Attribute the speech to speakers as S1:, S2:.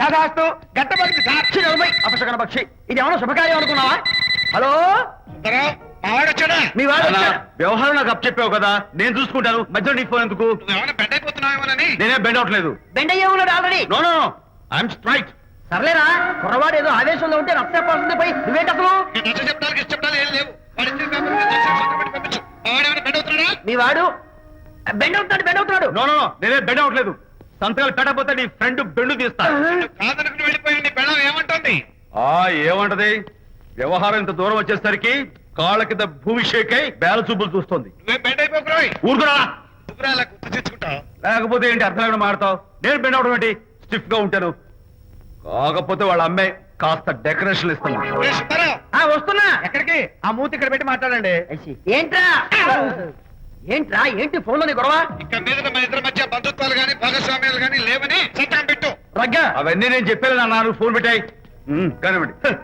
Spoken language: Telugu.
S1: తదాస్తు గట్టబడి సాక్షి నలభై అపశకన పక్షి ఇది ఏమన్నా శుభకార్యం అనుకున్నావా? హలో
S2: మావాడొచ్చాడా?
S1: మీ వాడు
S3: అన్నా,
S1: వచ్చాడు.
S3: వ్యవహారం నాకు అప్ చెప్పావు కదా, నేను చూసుకుంటాను. మధ్యలో నీకు ఫోన్ ఎందుకు?
S2: నువ్వేమైనా బెడ్ అయిపోతున్నావేమోనని.
S3: నేనే బెండ్ అవట్లేదు.
S1: బెండ్ అయ్యే ఉన్నాడు already.
S3: No no I'm straight.
S1: సర్లేరా, కుర్రవాడు ఏదో ఆవేశంలో ఉంటే రక్తపోతుంది పోయి నువ్వేంటి అసలు?
S2: ఈ నచ్చ చెప్పడానికి ఇష్టపడాలి ఏం లేవు. వాడు ఇచ్చిన పేపర్ మీద సంతకం పెట్టి పంపించు. మావాడేమైనా బెడ్ అవుతున్నాడా?
S1: మీ వాడు బెండ్ అవుతున్నాడు.
S3: నో నో నేనే బెండ్ అవట్లేదు. సంతకాలు పెట్టకపోతే నీ ఫ్రెండ్ బెండు తీస్తా.
S2: కాదనుకుని వెళ్ళిపోయి నీ బెళ్ళం ఏమంటుంది?
S3: ఏమంటది? వ్యవహారం ఇంత దూరం వచ్చేసరికి కాళ్ళ కింద భూమిషేకై బేల చూపులు చూస్తుంది.
S2: నువ్వే బెడ్ అయిపోకురాయి.
S3: ఊరుకురా.
S2: నువ్వురా అలా గుర్తు తెచ్చుకుంటావు.
S3: లేకపోతే ఏంటి అర్థం లేకుండా మాడతావు? నేను బెండ్ అవడం ఏంటి? స్టిఫ్ గా ఉంటాను. కాకపోతే వాళ్ళ అమ్మాయి కాస్త డెకరేషన్ ఇస్తాను.
S2: రే సుబ్బారావు,
S1: వస్తున్నా.
S2: ఎక్కడికి? ఆ మూతి ఇక్కడ పెట్టి మాట్లాడండి.
S1: ఏంట్రా ఏంటి ఫోన్ లోని గొడవ?
S2: ఇక మీద మన ఇద్దరి మధ్య బంధుత్వాలు గాని భాగస్వామ్యాలు గాని లేవని సంతకం పెట్టు.
S1: రగ్గా
S3: అవన్నీ నేను చెప్పాను నాన్న, ఫోన్ పెట్టాయి. కానివ్వండి.